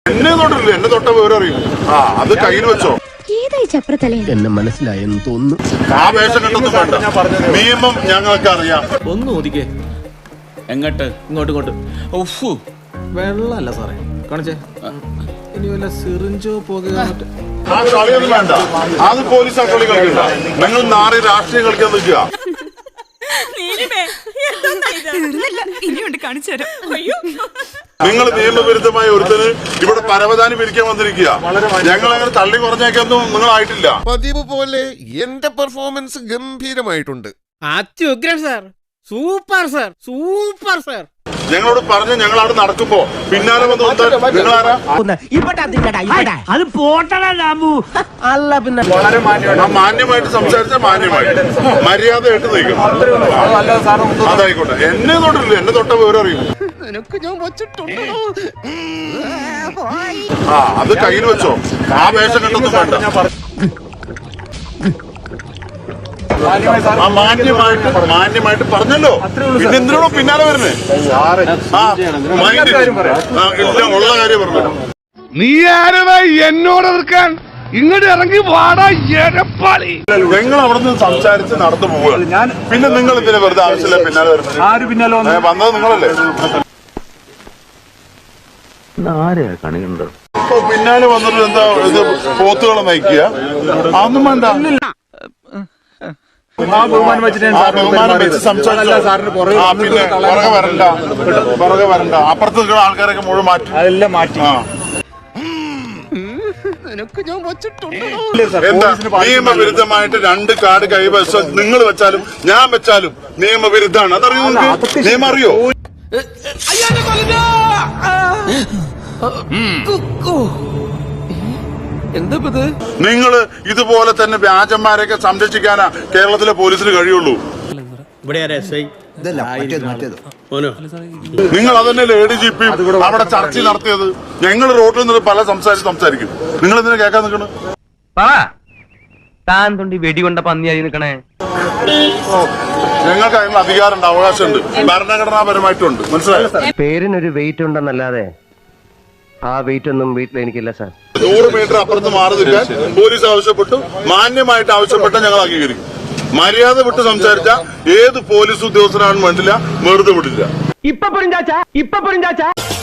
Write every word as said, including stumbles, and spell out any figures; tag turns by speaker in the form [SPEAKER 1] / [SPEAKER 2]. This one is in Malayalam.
[SPEAKER 1] എന്നെ തൊട്ടില്ല, എന്നെ തൊട്ട വിവരം അറിയും. ആ അത് കയ്യിൽ വെച്ചോ.
[SPEAKER 2] എന്നെ മനസ്സിലായെന്ന് തോന്നുന്നു.
[SPEAKER 1] ആ വേഷം കെട്ടൊന്നും വേണ്ട, നിയമം ഞങ്ങൾക്ക് അറിയാം.
[SPEAKER 3] ഒന്ന് ഒതുക്കേ. എങ്ങോട്ട്? ഇങ്ങോട്ട് ഇങ്ങോട്ട്. ഉഫു, വെള്ളമല്ല സാറേ കാണിച്ചേ. ഇനി വല്ല സിറിഞ്ചോ പോകുക.
[SPEAKER 1] ആ കളിയൊന്നും വേണ്ട, അത് പോലീസ് ആ കളി കളിക്കണ്ട. നിങ്ങൾ നാറി രാഷ്ട്രീയം കളിക്കാൻ നിൽക്കുക. നിങ്ങൾ നിയമവിരുദ്ധമായ ഒരുത്തന് ഇവിടെ പരവതാനി പിരിക്കാൻ വന്നിരിക്കുക. ഞങ്ങൾ അങ്ങനെ തള്ളി കുറഞ്ഞേക്കൊന്നും നിങ്ങളായിട്ടില്ല.
[SPEAKER 4] പതിവ് പോലെ എന്റെ പെർഫോമൻസ് ഗംഭീരമായിട്ടുണ്ട്.
[SPEAKER 5] അത്യുഗ്രൻ sir, super sir, super sir.
[SPEAKER 1] ഞങ്ങളോട് പറഞ്ഞ് ഞങ്ങൾ അവിടെ നടക്കുമ്പോ പിന്നാലെ വന്ന് നിങ്ങളാരാ?
[SPEAKER 2] അത് പോട്ടടാ രാമു. അല്ല പിന്നെ
[SPEAKER 1] വളരെ മാന്യമായിട്ട് സംസാരിച്ച മാന്യമായിട്ട് മര്യാദയായിട്ട് നയിക്കണം. അതായിക്കോട്ടെ, എന്നെ തൊട്ടില്ല, എന്നെ തൊട്ട വിവരം അറിയും. ആ അത് കയ്യിൽ വെച്ചോ. ആ വേഷം കെട്ടൊന്നും വേണ്ട. ആ മാന്യമായിട്ട് മാന്യമായിട്ട് പറഞ്ഞല്ലോ. പിന്നെ എന്തിനാണോ പിന്നാലെ വരുന്നേ? ആ ഇല്ല, ഉള്ള കാര്യം പറഞ്ഞു.
[SPEAKER 6] നീ ആരവാ എന്നോട് എതിർക്കാൻ? ഇങ്ങോട്ട് ഇറങ്ങി വാടാ എരപ്പാളി.
[SPEAKER 1] നിങ്ങൾ അവിടെ നിന്ന് സംസാരിച്ച് നടന്നു പോവുക. ഞാൻ പിന്നെ നിങ്ങൾ ഇതിനെ വെറുതെ ആവശ്യമില്ല പിന്നാലെ വരുന്നത്. ആര് പിന്നാലെ വന്നത്? നിങ്ങളല്ലേ. ഇപ്പൊ പിന്നാലെ വന്നിട്ട് എന്താ ഇത് പോത്തുകളെ നയിക്കുക? അതൊന്നും വേണ്ട. ബഹുമാനം വെച്ച് സംസാരിച്ചു. പിന്നെ പുറകെ വരണ്ട, പുറകെ വരണ്ട. അപ്പുറത്ത് നിൽക്കുന്ന ആൾക്കാരൊക്കെ മുഴുവൻ മാറ്റി അതെല്ലാം മാറ്റി. എന്താ നിയമവിരുദ്ധമായിട്ട് രണ്ട് കാർഡ് കൈവശം നിങ്ങൾ വെച്ചാലും ഞാൻ വെച്ചാലും നിയമവിരുദ്ധമാണ്. അതറിയോ? നിങ്ങൾക്ക് നിയമം അറിയോ?
[SPEAKER 3] എന്താ
[SPEAKER 1] നിങ്ങൾ ഇതുപോലെ തന്നെ വ്യാജന്മാരെയൊക്കെ സംരക്ഷിക്കാനാ കേരളത്തിലെ പോലീസിന് കഴിയുള്ളൂ. നിങ്ങൾ അതന്നെയല്ലേ എ ഡി ജി പി അവിടെ ചർച്ച നടത്തിയത്. ഞങ്ങൾ റോഡിൽ നിന്ന് പല സംസാരിച്ച് സംസാരിക്കും. നിങ്ങൾ ഇതിനെ കേൾക്കാൻ നിൽക്കണം.
[SPEAKER 7] താൻ തൊണ്ടി വെടികൊണ്ട പന്നിയായി നിൽക്കണേ.
[SPEAKER 1] ഞങ്ങൾക്ക് അതിനുള്ള അധികാരമുണ്ട്, അവകാശമുണ്ട്, ഭരണഘടനാപരമായിട്ടുണ്ട്. മനസ്സിലായോ?
[SPEAKER 2] പേരിനൊരു വെയിറ്റ് ഉണ്ടെന്നല്ലാതെ ആ വെയിറ്റ് ഒന്നും വീട്ടിൽ എനിക്കില്ല സാർ.
[SPEAKER 1] നൂറ് മീറ്റർ അപ്പുറത്ത് മാറി നിൽക്കാൻ പോലീസ് ആവശ്യപ്പെട്ടു. മാന്യമായിട്ട് ആവശ്യപ്പെട്ട ഞങ്ങൾ അംഗീകരിക്കും. മര്യാദ വിട്ട് സംസാരിച്ച ഏത് പോലീസ് ഉദ്യോഗസ്ഥനാണെന്ന് വേണ്ടില്ല, വെറുതെ വിടില്ല.
[SPEAKER 7] ഇപ്പൊ പൊരിഞ്ചാച്ച ഇപ്പൊ പൊരിഞ്ചാച്ച